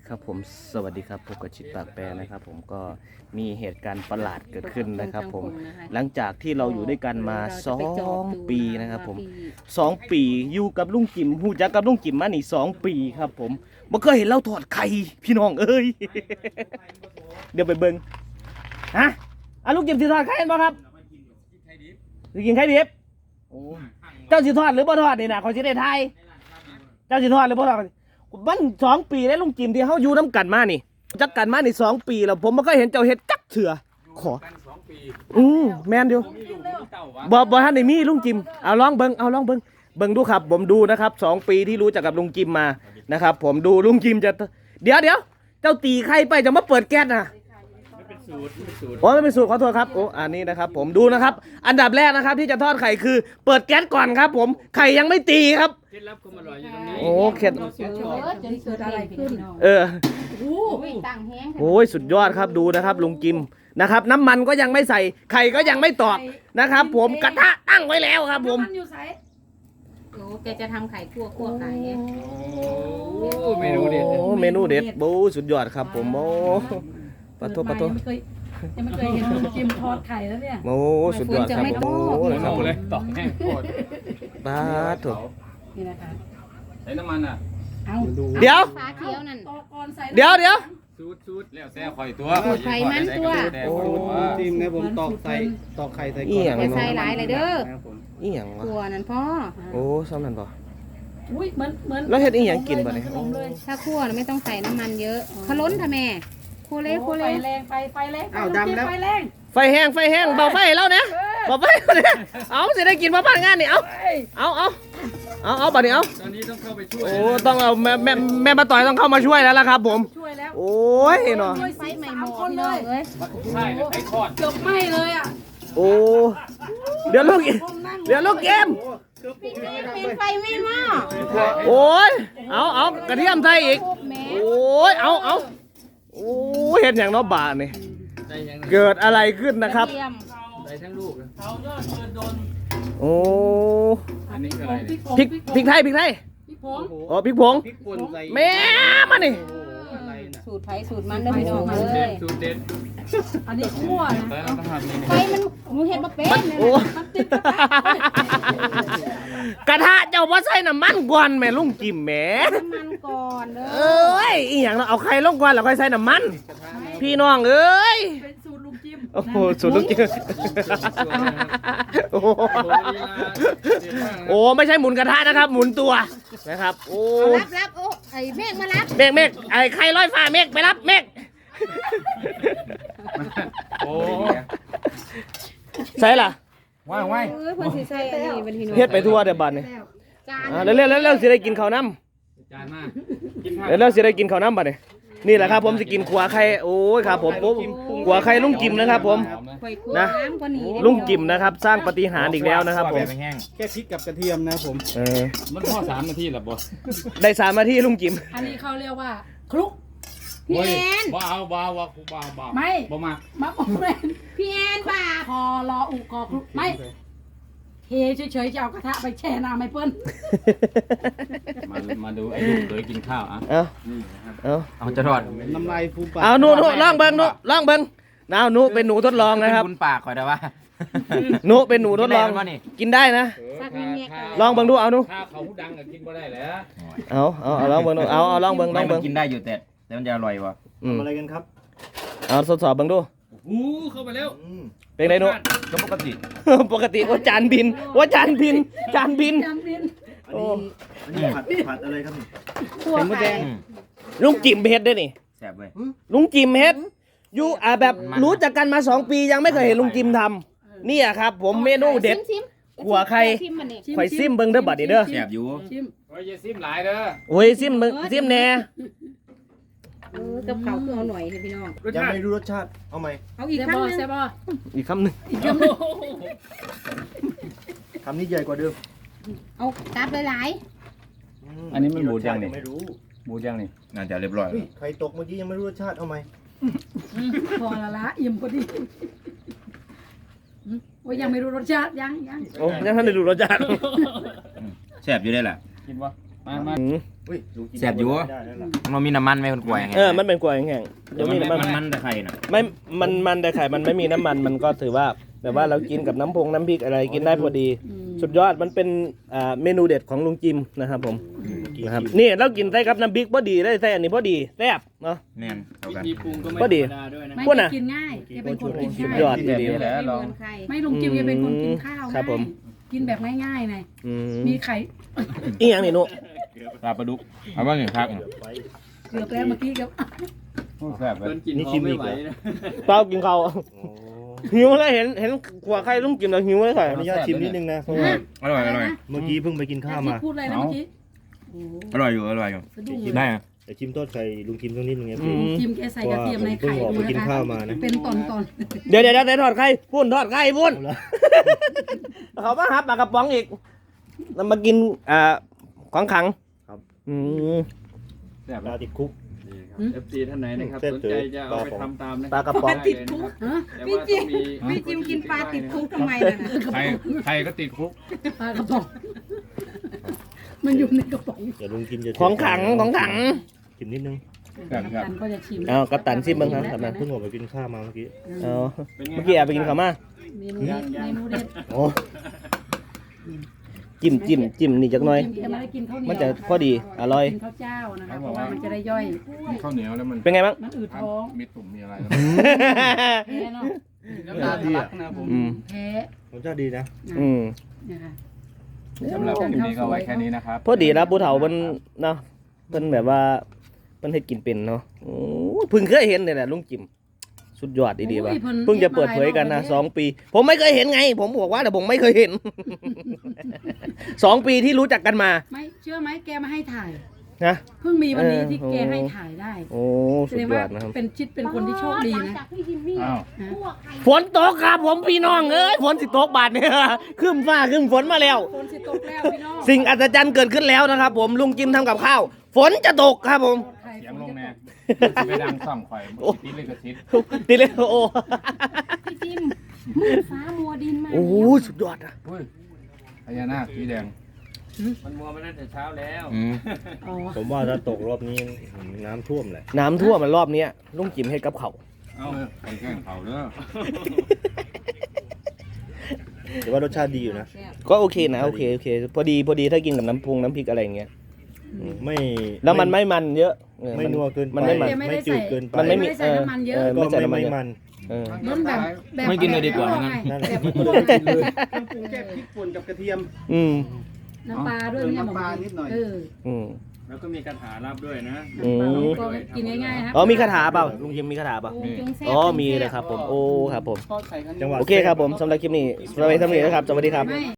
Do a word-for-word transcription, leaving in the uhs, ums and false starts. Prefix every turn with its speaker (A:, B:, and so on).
A: ครับผมสวัสดีครับพบกับชิดปากแปรนะครับผมก็มีเหตุการณ์ประหลาดเกิดขึ้นนะครับผมหลังจากที่เราอยู่ด้วยกันมาสองปีนะครับผมสองปีอยู่กับลุงจิ๋มหูจักกับลุงจิ๋มมานี่สองปีครับผมบ่เคยเห็นเราถอดไข่พี่น้องเอ้ย เดี๋ยวไปเบิ่งฮะอ่ะลุงจิ๋มสิถอดไข่บ่ครับสิกินไข่ดิบโอ้เจ้าสิทอดหรือบ่ทอดนี่นะขอสิได้ทายเจ้าสิทอดหรือบ่ทอดมันสองปีแล้วลุงจิมที่เขาอยู่น้ำกันมานี่จักกันมานี่สองปีแล้วผมไม่เคยเห็นเจ้าเห็ดจักเถื่อขออืมแมนเดียวบอบอท่านได้มีลุงจิมเอาลองเบิ้งเอาลองเบิ้งเบิ้งดูครับผมดูนะครับสองปีที่รู้จักกับลุงจิมมานะครับผมดูลุงจิมจะเดี๋ยวเดี๋ยวเจ้าตีใครไปจะมาเปิดแก๊สนะโอ้ไม่เป็นสูตรขอโทษครับโอ้อันนี้นะครับผมดูนะครับอันดับแรกนะครับที่จะทอดไข่คือเปิดแก๊สก่อนครับผมไข่ยังไม่ตีครับ
B: เคล็ดลับความอร่อยอยู่ตรงนี้
A: โอ้เคล็ด
C: จะเกิดอะไรขึ้น
A: เออ
C: โอ้ยต่างแห้ง
A: โอ้ยสุดยอดครับดูนะครับลุงจิมนะครับน้ำมันก็ยังไม่ใส่ไข่ก็ยังไม่ตอกนะครับผมกระทะตั้งไว้แล้วครับผม
C: โอ้แกจะทำไข่คั่วคั่วไข่
B: โอ้เมนูเด็ด
A: โอ้เมนูเด็ดโอ้สุดยอดครับผมโอ้ปะโทปะโท
D: ยังไม่เคยเห็นลุงจิมทอดไข่แล้วเนี่ย
A: โอ้สุดยอดครับผมโอ้เลยครับผม
B: ต่อแห้งโคตร
A: ปาโถ
D: นี่นะคะ
B: ใส่น้ำมันอ่ะ
D: เอา
A: เดี๋ยว
C: ฟ้าเขียวนั่น
A: เดี๋ยวเดี๋ยว
B: ซูดซูดแล้วแซ่ข่อยตัว
C: ไข่มันตัว
A: โอ้
E: จิมนะผมตอกใส่ตอกไข่ใส่ก่อน
C: อย่าใส่หลายเลยเด้อ
A: อีหยังวะ
C: ตัวนั่นพ่อ
A: โอ้ซ้ำนั่นป่ะ
D: อุ้ยเหมือนเหมือน
A: แล้วเฮ็ดอีหยังกินป่ะเนี่ย
C: ถ้าคั่วไม่ต้องใส่น้ำมันเยอะขล้นทำแม่โคเล่โคเล่
D: ไฟแรงไฟไฟแรง
E: อ้าวดำแล้ว
D: ไฟแรง
A: ไฟแห้งไฟแห้งเบาไฟแล้วนะเบาไฟเนี่ยเอาสิได้กินมาบ้านงานนี่เอาเอาเอาเอาเอาบัดนี้เอา
B: ตอนนี้ต้องเข้าไปช่วย
A: โอ้ต้องเอาแม่แม่แม่มาต่อยต้องเข้ามาช่วยแล้วล่ะครับผม
D: ช่วยแล้ว
A: โอ้ยเนาะ
C: ไฟใหม่หมดเลยเอ้ย
B: ใช่ไข่ทอด
D: เกือบไหม้เลยอ่ะ
A: โอ้เดี๋ยวลูกเดี๋ยวลูกเกม
C: เป็นไฟไม่หม้อ
A: โอ้ยเอาเอากระเทียมไทยอีกโอ้ยเอาเอาโอ้เห็นอย่างน้อบานี่เกิดอะไรขึ้นนะครับ
B: ใส่ทั้งลูก
A: โอ้
B: อันนี้คืออะไร
A: พริกพริกไทยพริกไทยอ๋อพริกผงแม่มานี่
C: สูตรไผ่สูตรมันเด้อพี่น้องเลย
B: สูตรเด็ด
D: อันนี้คั่วนะ
C: ไฟมันหนูเห็นมาเป็น
A: โอ้กระทะเจ้าว่าใส่น้ำมันก่อนแม่ลุงจิมแม่
C: น้ำมันก่อนเด้อ
A: เอ้ยอีหยังเราเอาไข่ลงก่อนแล้วค่อยใส่น้ำมันพี่น้องเอ้ย
D: เป็นสูตรลุงจิม
A: โอ้โหสูตรลุงจิมโอ้โอ้ไม่ใช่หมุนกระทะนะครับหมุนตัวนะครับโอ้
C: รับรับโอ้ไอ้เมฆมารับ
A: เมฆเมฆไอ้ไข่ลอยฟ้าเมฆไปรับเมฆ
B: โอ้
A: ใส่ล่ะ
B: ว้ายว้าย
C: เออคนสิใส่อันนี้เป็นพี่น้อง
A: เฮ็ดไปทั่วเดี๋ยวบัดนี่เร็วเร็วเร็วเร็วสิได้กินข้าวน้ำ
B: จานมาก
A: เร็วเร็วสิได้กินข้าวน้ำบัดนี่นี่แหละครับผมจะกินขัวไข่โอ้ยครับผมขัวไข่ลุงจิมนะครับผมนะลุงจิมนะครับสร้างปาฏิหาริย์อีกแล้วนะครับผม
E: แค่พริกกับกระเทียมนะผม
A: เออ
B: มันพอสามนาทีหรอบอส
A: ได้สามนาทีลุงจิม
D: อันนี้เขาเรียกว่าคลุก
C: พี่แอน
B: บ้าบ้าบ้าบ้าบ้า
D: ไม่
B: บ้ามา
D: มะม่วงแมน
C: พี่แอนป่า
D: คอรออุกอคลุกไม่เทเฉยๆจะเอากระทะไปแช่น้ำไม่เปิ้ล
B: มามาดูไอ้ลูกเคยกินข้าวอ่ะ
A: เอาเอา
B: เอาจะทอด
E: น้ำลายฟูปาก
A: เอาหนูหนูลองเบิ้งหนูลองเบิ้งน้าหนูเป็นหนูทดลองนะครับ
B: คุณปากคอยได้ว่า
A: หนูเป็นหนูทดลองกินได้นะลองเบิ้งดูเอาหนู
B: ถ้าเขาพูดดังก็กินก็ได้แหละ
A: เอาเอาเอาลองเบิ้งดูเอาเอาลองเบิ้งลองเบิ้ง
B: กินได้อยู่แต่แต่มันจะอร่อยวะ
E: อะไรกันครับ
A: เอาทดสอบเบิ้งดู
B: อู้เข้าไปแล้ว
A: เป็นไงหนู
B: ก็ปกติ
A: ปกติว่าจานบินว่าจานบินจานบิน
E: โอ้อันนี้ผัดผัดอะไรครับ
C: คั่วไข่
A: ลุงจิมเฮ็ดได้นี่
B: แซ่บเลย
A: ลุงจิมเฮ็ดอยู่อ่าแบบรู้จักกันมาสองปียังไม่เคยเห็นลุงจิมทำนี่อะครับผมเมนูเด็ดขัวไข่ไข่ซิมเบิ้งเด้อบัดนี้เด้อ
B: แซ่บอยู่โอ้ยซิมหลายเด้อ
A: โอ้ยซิมเบิ้งซิมแน่
C: เออกับเขาคือเอาหน่อยพี่น้อง
E: ยังไม่รู้รสชาติเอาไหม
C: เอาอีกคำนึง
A: อีกคำหนึ่ง
D: อีกคำหนึ่ง
E: คำนี้ใหญ่กว่าเดิม
C: เอาตับหลาย
B: อันนี้มันหมูย่างนี่
E: ไม่รู้
B: หมูย่างนี่น่าจะเรียบร้อย
E: ไข่ตกเมื่อกี้ยังไม่รู้รสชาติเอาไหม
D: พอละละอิ่มพอดีโอ้ยยังไม่รู้รสชาติยังยัง
A: โอ้ยังท่านได้รู้รสชาติ
B: แซ่บอยู่ได้แหละกินวะมามา
E: อุ้ยลุงกิน
B: แซ่บอยู่
E: ได้แล้วล่ะ
B: มันมีน้ำมันไหมคนกล้วยไง
A: เออมันเป็นกล้วยแห้งๆเดี๋ยวมีน้ำมัน
B: มันมันแต่ไข่น่ะ
A: ไม่มันมันแต่ไข่มันไม่มีน้ำมันมันก็ถือว่าแบบว่าเรากินกับน้ำพงน้ำพริกอะไรกินได้พอดี
D: อืม
A: สุดยอดมันเป็นอ่าเมนูเด็ดของลุงจิมนะครับผมนะครับนี่เรากินใส่กับน้ำพริกพอดีได้ใส่อันนี้พอดีแซ่บเนาะ
B: แม่นเท่ากัน
F: มีปรุงก็ไม่
A: ก็ดี
F: ธรรมดาด้วยนะ
D: ไม่
A: พูดน่ะ
D: กินง่ายแกเป็นคนกิน
A: สุด
D: ง่าย
A: ยอด
B: แบบนี้แหละ
C: ไม่
B: ลอง
C: เหมือนใคร
D: ไม่ลุงจิมแกเป็นคนกินข้าว
A: ครับผม
D: ง่ายกินแบบง่ายๆไง
A: อืม
D: มีไข่
A: อีหยังนี่หนุ
B: ปลาปลาดุกเอาบ้างหนึ่งพัก
E: เดี๋ยวไป
D: เกือบแล้วเมื่อกี้กับ
B: แซ่บเล
F: เกิ
B: ย
F: นกิน
E: นี่
F: หอ
E: ชิ
F: ม
E: ม
F: ไม่
E: อีก
F: ไหว
E: เหรอ
F: นะ
A: เปล่ากินข้าว
E: โอ้
A: หิวแล้วเห็นเห็นขวาไข่ลุงจิมแล้วหิวเลยค่ะ
E: ขออนุญาตชิมนิดนึงนะเพราะว่า
B: อร่อยอร่อย
E: เมื่อกี้เพิ่งไปกินข้าวมา
D: พูดอะไรนะเมื่อกี้โอ้
B: อร่อยอยู่อร่อยอยู่
D: สะดุ้งเลย
B: ได้อะ
E: แต่ชิมโทษใครลุงชิมสักนิดนึงไง
A: อื
E: พี่
A: ม
D: จิมแกใส่กระเทียมใน
E: เพราะ
D: ไข่
E: ว่าผมเพิ่งออกไปกินข้าวมานะ
D: เป็นตอนตอน
A: เดี๋ยวเดี๋ยวเดี๋ยวทอดไข่พุ่นทอดไข่พุ่น
E: เอาละ
A: เขามาหาปลากระป๋องอีกแล้วมากินอ่าของขัง
E: ครับ
A: อืม
B: แซ่บ
E: ปลาติดคุก
F: เอฟซีท่านไหนนะครับ
E: เส้น
F: สน
E: ถือ
F: ใจจะเอาไปทำตามนะ
A: ปลากระป๋อง
F: ติดคุก
D: ฮะ
F: แต่ว่าต้องมี
C: พี่จิมกินปลาติดคุกทำไมล่ะนะ
B: ไข่ไข่ก็ติดคุก
D: ปลากระป๋องมันอยู่ในกระป๋อง
E: เดี๋ยวลุงกินจะ
A: ของขังของขัง
E: ชิมนิดนึง
B: แซ่บครับ
D: กัปตันก็จะชิม
A: เอากัปตันซิมบ้างครับกัปตัน
E: เพิ่งออกไปกินข้าวมาเมื่อกี้
A: เอา
F: เป็นไง
A: เมื่อกี้แอบไปกินข้าวมา
D: เมนูเด็ดเมนูเด็ด
A: โอ้จิ้มจิ้มจิ้มนี่จักหน่อย
D: แกไม่ได้กินข้าวเหนียว
A: มันจะพอดีอร่อย
D: กินข้าวเจ้านะคะเพราะว่ามันจะได้ย่อย
B: ข้าวเหนียวแล้วมัน
A: เป็นไงบ้าง
D: มันอืดท้อง
B: มีตุ่มมีอะไร
D: แพ้เนาะ
F: น้ำตาทะลักนะผม
A: อืม
D: แพ้
E: รสชาติดีนะ
A: อืม
D: นะคะ
B: สำหรับคลิปนี้ก็ไว้แค่นี้นะครับ
A: พอดีแล้วผู้เฒ่าเพิ่นเนาะเพิ่นแบบว่าเพิ่นเฮ็ดกินเป็นเนาะโอ้ยเพิ่งเคยเห็นเนี่ยแหละลุงจิมสุดยอดดีๆว่ะเพิ่งจะเปิดเผยกันนะสองปี ผมไม่เคยเห็นไง ผมบอกว่าแต่ผมไม่เคยเห็น สองปีที่รู้จักกันมา
D: ไม่เชื่อไหมแกมาให้ถ่าย
A: นะ
D: เพิ่งมีวันนี้
A: เออ
D: ที่แก
A: โอ้
D: ให้ถ่ายได้
A: โอ้
D: แส
A: สุด
D: ดง
A: ย
D: ว่า
A: อดนะครับ
D: เป็นชิดเป็นคนที่โชคดีนะ
C: จากพี่จิมมี่
B: อ้าว
D: นะ
C: พวกใคร
A: ฝนตกครับผมพี่น้องเอ้ยฝนสิตกบาดเนี่ย ขึ้นฟ้าขึ้นฝนมาแล้ว
D: ฝนสิตกแล้วพี่น้อง
A: สิ่งอัศจรรย์เกิดขึ้นแล้วนะครับ ผมลุงจิมทำกับข้าว ฝนจะตกครับผม
D: ใคร
B: เสียง
D: ฝ
B: ล
D: น
B: ง
D: จะ
B: แน่
D: ตก
B: ไปดังซ่อมไฟติดเลยกระซิบ
A: ติเลยโอ้
C: พี่จิมมืดฟ้ามัวดินมา
A: โอ้สุดยอดอะ
B: อุ้ยพญานาคสีแดง
F: มันมัวมาตั้งแต่เช้าแล้ว
B: อืม
D: อ๋อ
E: ผมว่าถ้าตกรอบนี้น้ำท่วมแหละ
A: น้ำท่วมมันรอบเนี้ยลุงจิมให้กับเขาว
B: เอาคนแกล้งเขาเด้อ
E: แต่ว่ารสชาติดีอยู่นะ
A: ก็โอเคนะโอเคโอเค พอดีพอดีถ้ากินกับน้ำพุงน้ำพริกอะไรอย่างเงี้ย
E: ไม่
A: แล้วมันไม่มันเยอะเออ
E: ไม่นัวเกินไป
A: มันไม่มัน
E: ไม่จืดเกินไป
A: มันไม่มี
D: ไม่ได้ใส่น้ำมันเยอะ
A: เออ
E: ก็
A: ไม่ใส่
E: ไม่
A: น้ำมันเยอะ
E: ไม่มัน
A: เออ
D: ล้นแบบแบบ
B: ไม่กินเลยดีกว่า
D: แบบ
B: งั้น
E: นั่นแหละ
D: แบบ
F: เครื่องปรุงแค่พริกป่นกับกระเทียม
A: อืม
D: น้ำปลาด้วยเนี่ย
F: น้ำปลานิดหน่อย
D: เออ
A: อืม
F: แล้วก็มีกระถารับด้วยนะ
A: อืม
D: ก็กินง่ายๆนะ
A: อ๋อมีคาถาเปล่าลุงจิมมีคาถาเปล่า
C: โอ้จงแซ่บ
A: อ๋อมีเลยครับผมโอ้ครับผม
F: ทอดไข่ข้างน
E: จังหวะ
A: โอเคครับผมสำหรับคลิปนี้สวัสดีครับสวัสดีครับ
D: ไม่